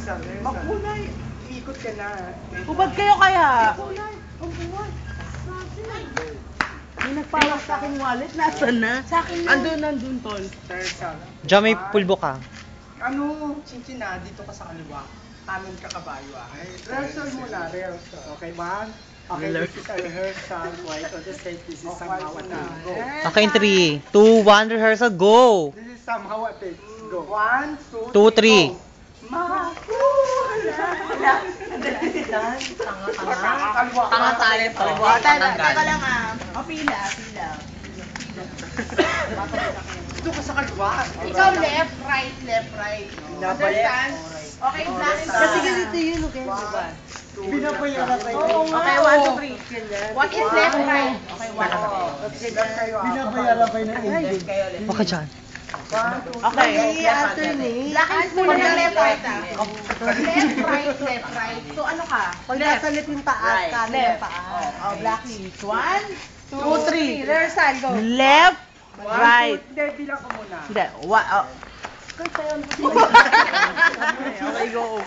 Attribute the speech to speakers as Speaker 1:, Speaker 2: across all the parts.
Speaker 1: Makulay. Ikot ka na.
Speaker 2: Ubad kayo kaya.
Speaker 1: Makulay. Makulay.
Speaker 2: May nagpawag sa aking wallet. Nasaan na? Sa akin na. Nandun, tol.
Speaker 3: Diyan may pulbo ka.
Speaker 1: Ano, Chinchina, dito ka sa kaliwa. Kanan ka kabayo ah. Rehearsal muna, rehearsal. Okay, man? Okay, this is a rehearsal. White on the stage. This is somehow a thing. Go.
Speaker 3: Okay, 3, 2, 1, rehearsal, go!
Speaker 1: This is somehow a thing. Go. 1, 2,
Speaker 3: 2, 3.
Speaker 2: Tanga talent to. Teka lang ah. O, pila.
Speaker 1: Dito ka sa kaliwa.
Speaker 2: Ikaw left, right. Understand? Okay, black and
Speaker 1: Kasi
Speaker 2: ganito yun, okay?
Speaker 1: Binabayaran kayo.
Speaker 2: Okay, 1, 2, 3. What is left, right? Okay, 1.
Speaker 1: Binabayaran kayo ng agent.
Speaker 3: Huwag ka dyan.
Speaker 2: Okay. Black and muna ng left, right ah. Left, right. So ano ka?
Speaker 4: Pag nasa lip yung taas, kanan yung taas.
Speaker 2: Oh, blackie. 1, 2, 3. Rehearsal, go.
Speaker 3: Left, right.
Speaker 1: Hindi, bilang ka muna.
Speaker 3: Hindi,
Speaker 2: Okay, go.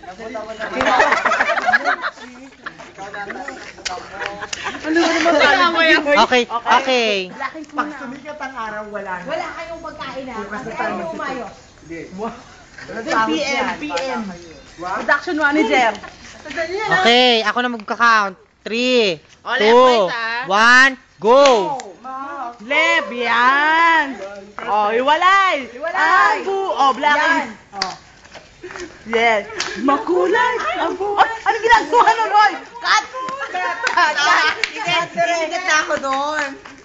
Speaker 3: Okay.
Speaker 1: Pag sumikat ang araw, wala na.
Speaker 4: Wala kayong pagkain na.
Speaker 1: Bukas
Speaker 4: Kasi
Speaker 1: na tayo
Speaker 4: ayaw umayos.
Speaker 2: PM. Production manager.
Speaker 3: Okay, ako na magka-count. 3,
Speaker 2: Oh, left,
Speaker 3: 2,
Speaker 2: right,
Speaker 3: 1, go!
Speaker 2: Left, yan. Oh, hiwalay. Oh, blackie. Oh. Yes. Makulay. Ang buhay. Ano ginagawa nun, Roy? Cut.
Speaker 4: Ikat na ako doon.